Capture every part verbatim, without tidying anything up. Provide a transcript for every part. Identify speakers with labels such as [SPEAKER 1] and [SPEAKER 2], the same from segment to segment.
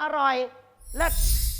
[SPEAKER 1] อร่อยเลิศ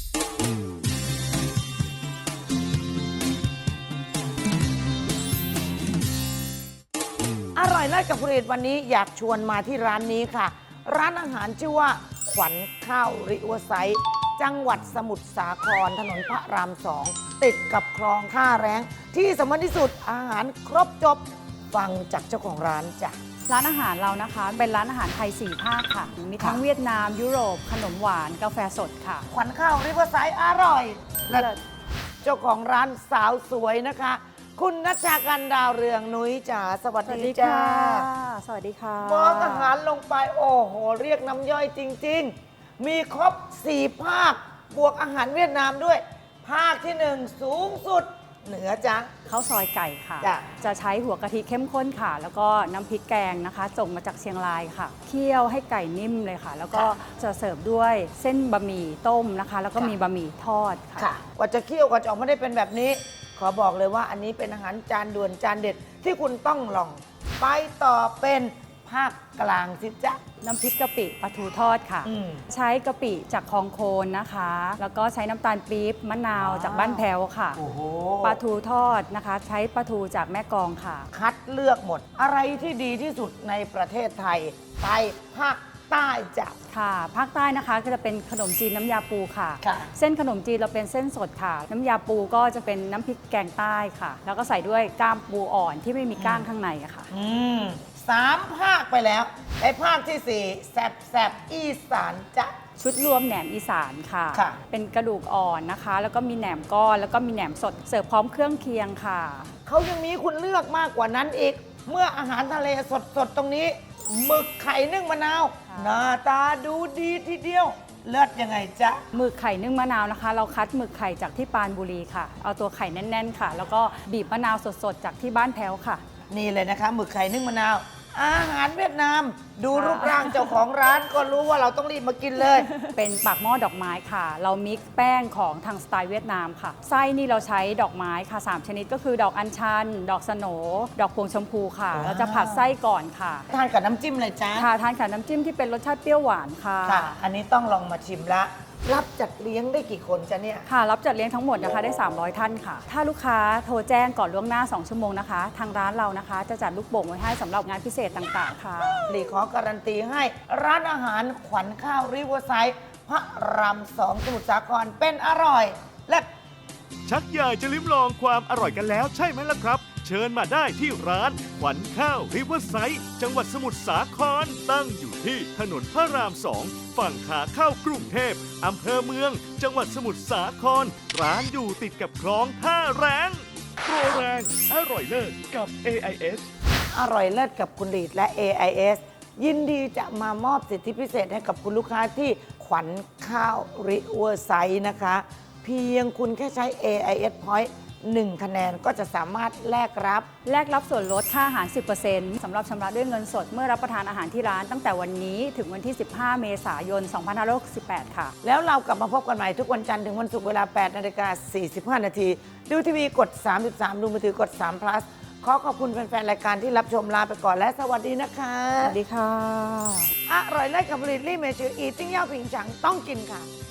[SPEAKER 1] อร่อยเลิศกับผลิตวันนี้อยากชวนมาที่ร้านนี้ค่ะร้านอาหารชื่อว่าขวัญข้าวริเวอร์ไซด์จังหวัดสมุทรสาครถนนพระรามสองติดกับคลองท่าแรงที่สำคัญที่สุดอาหารครบจบฟังจากเจ้าของร้านจ้ะ
[SPEAKER 2] ร้านอาหารเรานะคะเป็นร้านอาหารไทยสี่ภาคค่ะมีทั้งเวียดนามยุโรปขนมหวานกาแฟสดค่ะ
[SPEAKER 1] ขวัญข้าวริเวอร์ไซด์อร่อยและเจ้าของร้านสาวสวยนะคะคุณนัชชากันดาวเรืองนุ้ยจ๋าสวัสดีจ้า
[SPEAKER 2] สวัสดีค่ะ
[SPEAKER 1] มองอาหารลงไปโอ้โหเรียกน้ำย่อยจริงๆมีครบสี่ภาคบวกอาหารเวียดนามด้วยภาคที่หนึ่งสูงสุดเหนือจ้ะ
[SPEAKER 2] ข้าวซอยไก่ค่ะ
[SPEAKER 1] จะ
[SPEAKER 2] จะใช้หัวกะทิเข้มข้นค่ะแล้วก็น้ำพริกแกงนะคะส่งมาจากเชียงรายค่ะเคี่ยวให้ไก่นิ่มเลยค่ะแล้วก็จะเสิร์ฟด้วยเส้นบะหมี่ต้มนะคะแล้วก็มีบะหมี่ทอดค่ะ
[SPEAKER 1] กว่าจะเคี่ยวกว่าจะออกมาได้เป็นแบบนี้ขอบอกเลยว่าอันนี้เป็นอาหารจานด่วนจานเด็ดที่คุณต้องลองไปต่อเป็นภาคกลางสิจ๊ะ
[SPEAKER 2] น้ำพริกกะปิปลาทูทอดค่ะใช้กะปิจากคลองโคนนะคะแล้วก็ใช้น้ำตาลปี๊บมะนาวจากบ้านแพ้วค่ะปลาทูทอดนะคะใช้ปลาทูจากแม่กลองค่ะ
[SPEAKER 1] คัดเลือกหมดอะไรที่ดีที่สุดในประเทศไทยไปภาคใต้จ้ะ
[SPEAKER 2] ค่ะภาคใต้นะคะก็จะเป็นขนมจีนน้ำยาปูค่ะ เส้นขนมจีนเราเป็นเส้นสดค่ะน้ำยาปูก็จะเป็นน้ำพริกแกงใต้ค่ะแล้วก็ใส่ด้วยก้ามปูอ่อนที่ไม่มีก้างข้างในอะค่ะ
[SPEAKER 1] อืมสามภาคไปแล้วในภาคที่สี่แซบแซบอีสานจ้ะ
[SPEAKER 2] ชุดรวมแหนมอีสานค่ะเป็นกระดูกอ่อนนะคะแล้วก็มีแหนมก้อนแล้วก็มีแหนมสดเสิร์ฟพร้อมเครื่องเคียงค่ะ
[SPEAKER 1] เขายังมีคุณเลือกมากกว่านั้นอีกเมื่ออาหารทะเลสดๆตรงนี้หมึกไข่นึ่งมะนาวหน้าตาดูดีทีเดียวเลิศยังไงจ๊ะ
[SPEAKER 2] หมึกไข่นึ่งมะนาวนะคะเราคัดหมึกไข่จากที่ปรานบุรีค่ะเอาตัวไข่แน่นๆค่ะแล้วก็บีบมะนาวสดๆจากที่บ้านแพ้วค่ะ
[SPEAKER 1] นี่เลยนะคะหมึกไข่นึ่งมะนาวอาหารเวียดนามดูรูปร่างเจ้าของร้านก็รู้ว่าเราต้องรีบมากินเลย
[SPEAKER 2] เป็นปากหม้อดอกไม้ค่ะเรามิกซ์แป้งของทางสไตล์เวียดนามค่ะไส้นี่เราใช้ดอกไม้ค่ะสามชนิดก็คือดอกอัญชันดอกสโหนดอกพวงชมพูค่ะเราจะผัดไส้ก่อนค่ะ
[SPEAKER 1] ทานกับน้ำจิ้มเลยจ้า
[SPEAKER 2] ค่ะทานกับน้ำจิ้มที่เป็นรสชาติเปรี้ยวหวานค่ะ
[SPEAKER 1] ค่ะอันนี้ต้องลองมาชิมละรับจัดเลี้ยงได้กี่คนจ๊ะเนี่ย
[SPEAKER 2] ค่ะรับจัดเลี้ยงทั้งหมดนะคะได้สามร้อยท่านค่ะถ้าลูกค้าโทรแจ้งก่อนล่วงหน้าสองชั่วโมงนะคะทางร้านเรานะคะจะจัดลูกโป่งไว้ให้สำหรับงานพิเศษต่างๆค่ะ
[SPEAKER 1] หลีขอการันตีให้ร้านอาหารขวัญข้าวริเวอร์ไซด์พระรามสองสมุทรสาครเป็นอร่อยและ
[SPEAKER 3] ชักอยากจะลิ้มลองความอร่อยกันแล้วใช่ไหมล่ะครับเชิญมาได้ที่ร้านขวัญข้าวริเวอร์ไซด์จังหวัดสมุทรสาครตั้งอยู่ที่ถนนพระรามสองฝั่งขาเข้ากรุงเทพอำเภอเมืองจังหวัดสมุทรสาครร้านอยู่ติดกับคลองท่าแรงโปรแรงอร่อยเลิศกับ เอ ไอ เอส
[SPEAKER 1] อร่อยเลิศกับคุณลีดและ เอ ไอ เอส ยินดีจะมามอบสิทธิพิเศษให้กับคุณลูกค้าที่ขวัญข้าวริเวอร์ไซด์นะคะเพียงคุณแค่ใช้ เอ ไอ เอส Pointหนึ่งคะแนนก็จะสามารถแลกรับ
[SPEAKER 2] แลกรับส่วนลดค่าอาหาร สิบเปอร์เซ็นต์ สำหรับชำระด้วยเงินสดเมื่อรับประทานอาหารที่ร้านตั้งแต่วันนี้ถึงวันที่ สิบห้า เมษายน สองพันห้าร้อยหกสิบแปด ค่ะ
[SPEAKER 1] แล้วเรากลับมาพบกันใหม่ทุกวันจันทร์ถึงวันศุกร์เวลา แปดนาฬิกาสี่สิบห้า นาทีดูทีวีกด สามสิบสาม ดูมือถือกด สาม plus ขอขอบคุณแฟนๆรายการที่รับชมลาไปก่อนและสวัสดีนะคะ
[SPEAKER 2] สวัสดีค่ะ
[SPEAKER 1] อร่อยเลิศกับผลิตลี่เมจืออีติ้งเย่าผิงฉังต้องกินค่ะ